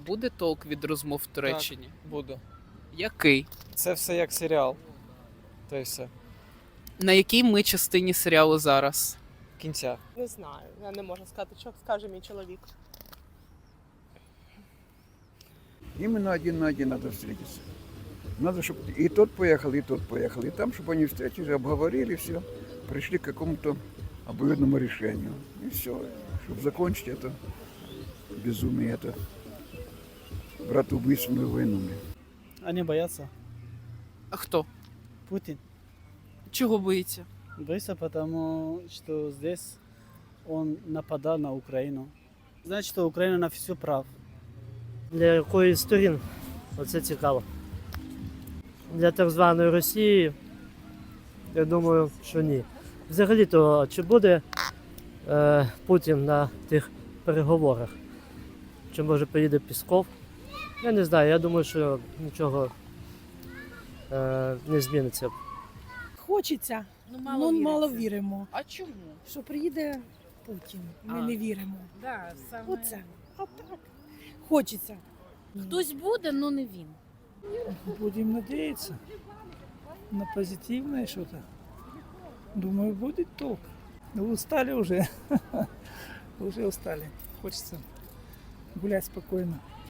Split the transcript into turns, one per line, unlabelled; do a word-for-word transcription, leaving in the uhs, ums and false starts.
буде толк від розмов в Туреччині?
Буду.
Який?
Це все як серіал. То й все.
На якій ми частині серіалу зараз?
Кінця.
Не знаю, я не можу сказати, що скаже мій чоловік.
Именно один на один надо встретиться. Надо, чтобы и тот поехал, и тот поехал. И там, чтобы они встретились, обговорили все, пришли к какому-то обоюдному решению. И все. Чтобы закончить это безумие, это братоубийственную войну.
Они боятся.
А хто?
Путин.
Чого боїться?
Боится, потому что здесь он нападал на Украину. Значит, что Украина на все прав.
Для якої з сторін? Оце цікаво. Для так званої Росії, я думаю, що ні. Взагалі-то, чи буде е, Путін на тих переговорах? Чи може поїде Пісков? Я не знаю, я думаю, що нічого е, не зміниться.
Хочеться,
Ну,
мало, ну, мало віримо,
А чому?
що приїде Путін. Ми
А.
не віримо.
Да, саме...
Оце. А так. Хочеться.
Хтось буде, але не він.
Будем надеяться на позитивное что-то. Думаю, будет толк. Ну, устали уже. Уже устали. Хочется гулять спокойно.